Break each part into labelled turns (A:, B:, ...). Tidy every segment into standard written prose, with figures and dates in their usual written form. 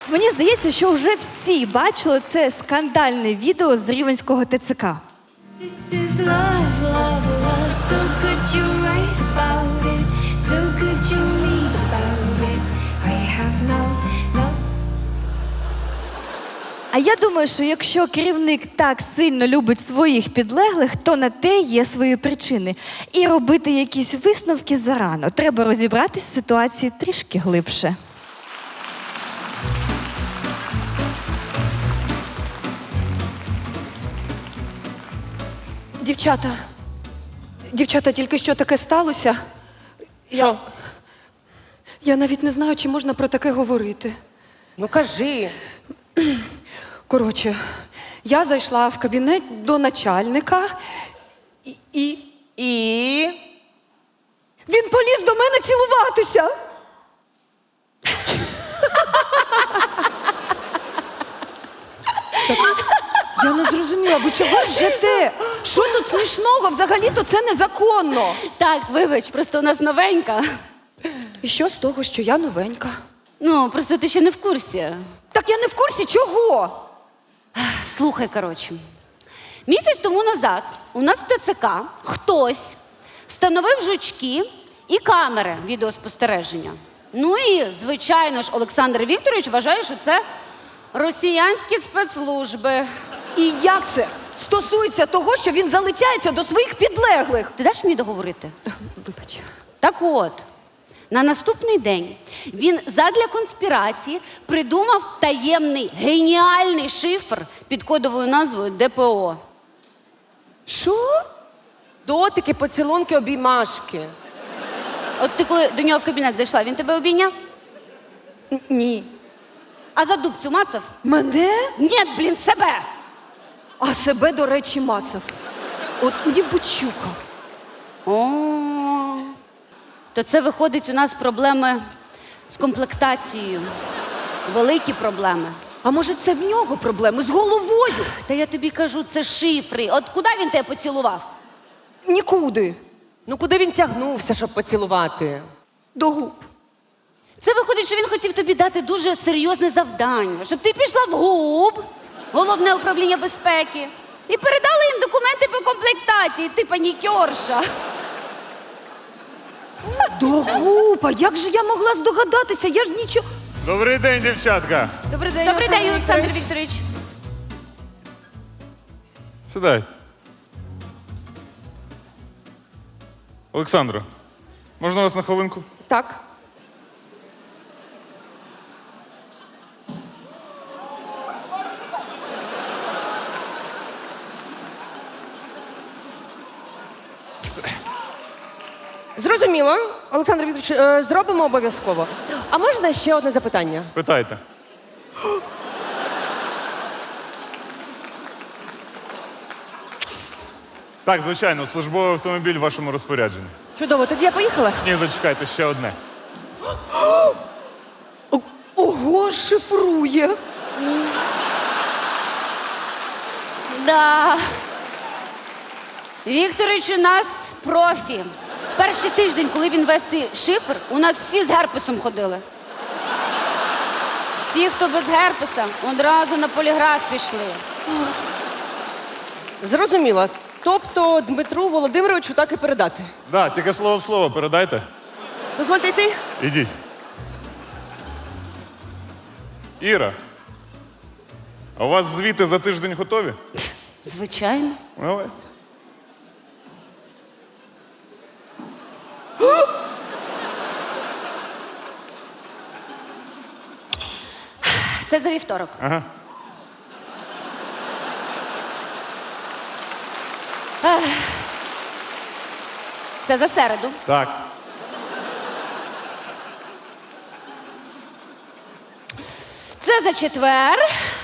A: Мені здається, що вже всі бачили це скандальне відео з Рівненського ТЦК.
B: This is love, love, love. So good you write about it. So good you read about it. I have no.
A: А я думаю, що якщо керівник так сильно любить своїх підлеглих, то на те є свої причини. І робити якісь висновки зарано. Треба розібратись в ситуації трішки глибше.
C: Дівчата, тільки що таке сталося?
D: Що?
C: Я навіть не знаю, чи можна про таке говорити.
D: Ну кажи.
C: Коротше, я зайшла в кабінет до начальника і він поліз до мене цілуватися. Я не зрозуміла, ви чого ржете? Що тут смішного? Взагалі-то це незаконно.
E: Так, вибач, просто у нас новенька.
C: І що з того, що я новенька?
E: Ну, просто ти ще не в курсі.
C: Так я не в курсі чого.
E: Слухай, коротше. Місяць тому назад у нас в ТЦК хтось встановив жучки і камери відеоспостереження. Ну і, звичайно ж, Олександр Вікторович вважає, що це росіянські спецслужби.
C: І як це стосується того, що він залицяється до своїх підлеглих?
E: Ти даш мені договорити?
C: Вибач.
E: Так от, на наступний день він задля конспірації придумав таємний, геніальний шифр під кодовою назвою ДПО.
C: Що?
D: Дотики, поцілунки, обіймашки.
E: От ти коли до нього в кабінет зайшла, він тебе обійняв?
C: Ні.
E: А за дубцю мацав?
C: Мене?
E: Ні, блін, себе!
C: А себе, до речі, мацав. От ніби чухав.
E: О, то це виходить у нас проблеми з комплектацією. Великі проблеми.
C: А може це в нього проблеми з головою?
E: Та я тобі кажу, це шифри. От куди він тебе поцілував?
C: Нікуди.
D: Ну куди він тягнувся, щоб поцілувати?
C: До губ.
E: Це виходить, що він хотів тобі дати дуже серйозне завдання, щоб ти пішла в ГУБ, Головне управління безпеки, і передала їм документи по комплектації, ти панікерша.
C: До губ. А як же я могла здогадатися? Я ж нічого.
F: Добрий день, дівчатка.
C: Добрий день,
E: Добрий день, Олександр Вікторович.
F: Сідай. Олександро, можна вас на хвилинку?
C: Так.
D: Зрозуміло, Олександр Вікторович, зробимо обов'язково. А можна ще одне запитання?
F: Питайте. Так, звичайно, службовий автомобіль в вашому розпорядженні.
D: Чудово, тоді я поїхала.
F: Ні, зачекайте, ще одне.
C: Ого, шифрує.
E: Да. Вікторович у нас профі. Перший тиждень, коли він вів цей шифр, у нас всі з герпесом ходили. Ті, хто без герпеса, одразу на поліграф пішли.
D: Зрозуміло. Тобто Дмитру Володимировичу так і передати.
F: Да, тільки слово в слово передайте.
D: Дозвольте йти.
F: Ідіть. Іра, а у вас звіти за тиждень готові?
E: Звичайно.
F: Давай.
E: Це за вівторок.
F: Ага.
E: Це за середу.
F: Так.
E: Це за четвер.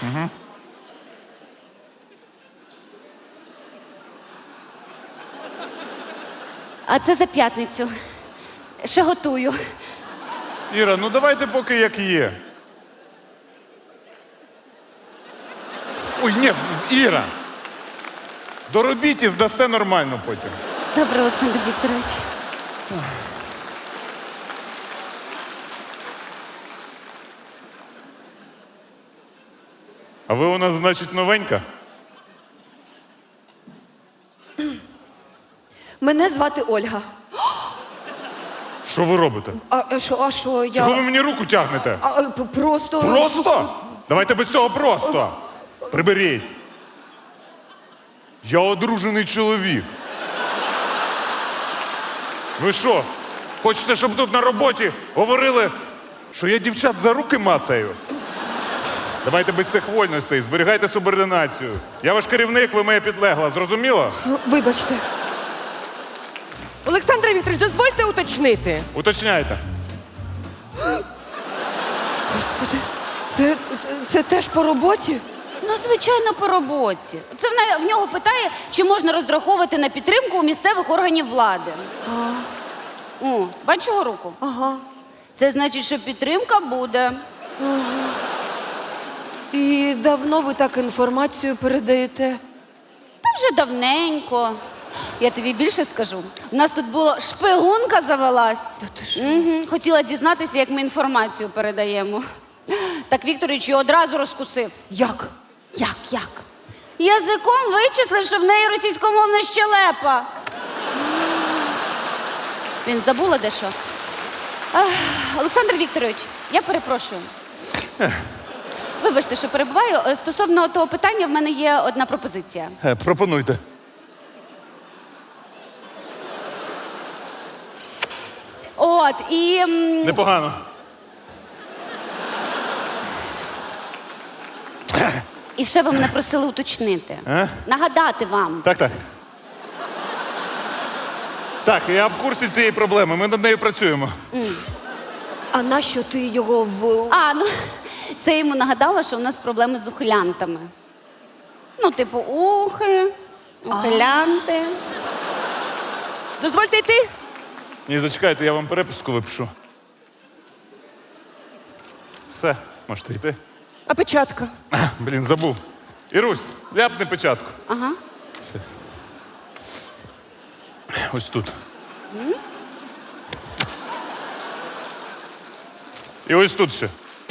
E: А це за п'ятницю. Ще готую.
F: Іра, ну давайте поки як є. Ой, ні, Іра. Доробіть і здасте нормально потім.
E: Добре, Олександр Вікторович.
F: А ви у нас, значить, новенька?
C: Мене звати Ольга.
F: Що ви робите?
C: А що я?
F: Чого ви мені руку тягнете?
C: Просто.
F: Просто? Давайте без цього просто. Приберіть. Я одружений чоловік. Ви що, хочете, щоб тут на роботі говорили, що я дівчат за руки мацаю? Давайте без цих вольностей, зберігайте субординацію. Я ваш керівник, ви моя підлегла, зрозуміло?
C: Вибачте.
D: Олександр Вікторович, дозвольте уточнити.
F: Уточняйте.
C: Господи, це теж по роботі?
E: Ну, звичайно, по роботі. Це в нього питає, чи можна розраховувати на підтримку у місцевих органів влади. О, бачу його руку?
C: Ага.
E: Це значить, що підтримка буде.
C: І давно ви так інформацію передаєте?
E: Та вже давненько. Я тобі більше скажу. У нас тут була шпигунка завелась.
C: Та ти що?
E: Хотіла дізнатися, як ми інформацію передаємо. Так Вікторович її одразу розкусив.
C: Як?
E: Як? Язиком вичислив, що в неї російськомовна щелепа. Він забула дещо. Олександр Вікторович, я перепрошую. Вибачте, що перебуваю. Стосовно того питання, в мене є одна пропозиція.
F: Пропонуйте.
E: От, і...
F: Непогано.
E: І ще ви мене просили уточнити. Нагадати вам.
F: Так. Так, я в курсі цієї проблеми, ми над нею працюємо.
C: А нащо ти його в.
E: Ну, це йому нагадала, що у нас проблеми з ухилянтами. Ну, типу, ухилянти.
D: Дозвольте йти.
F: Ні, зачекайте, я вам переписку випишу. Все, можете йти.
D: А печатка?
F: Блін, забув. Ірусь, ляпни печатку.
E: Ага.
F: Ось тут. І ось тут ще.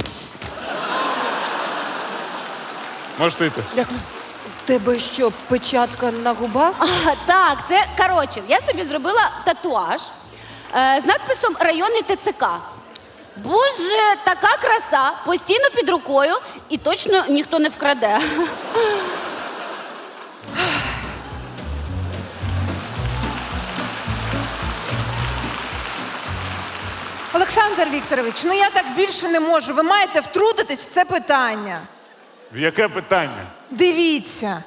F: Можете йти.
D: Дякую.
C: В тебе що, печатка на губах?
E: Так, це, коротше, я собі зробила татуаж з надписом «Районний ТЦК». Боже, така краса, постійно під рукою і точно ніхто не вкраде.
G: Олександр Вікторович, ну я так більше не можу. Ви маєте втрутитись в це питання.
F: В яке питання?
G: Дивіться.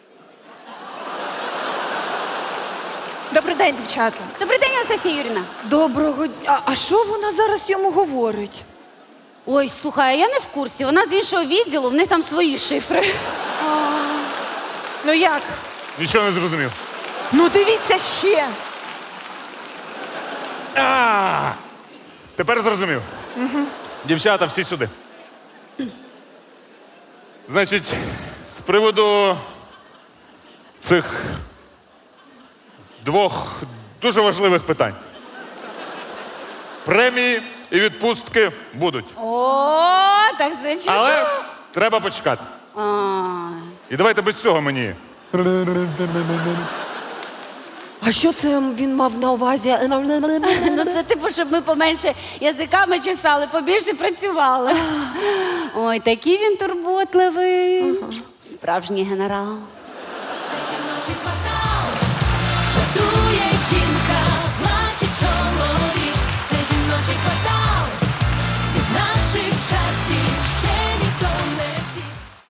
G: Добрий день, дівчата.
E: Добрий день, Анастасія Юріна.
C: Доброго дня. А що вона зараз йому говорить?
E: Ой, слухай, а я не в курсі. Вона з іншого відділу, в них там свої шифри.
G: Ну як?
F: Нічого не зрозумів.
G: Ну дивіться ще.
F: Тепер зрозумів. Дівчата, всі сюди. Значить, з приводу цих двох дуже важливих питань. Премії і відпустки будуть.
E: О, так це чудово.
F: Але треба почекати. І давайте без цього мені.
C: А що це він мав на увазі?
E: Ну це типу, щоб ми поменше язиками чесали, побільше працювали. Ой, такий він турботливий. Справжній генерал.
B: Це жіночий квартал.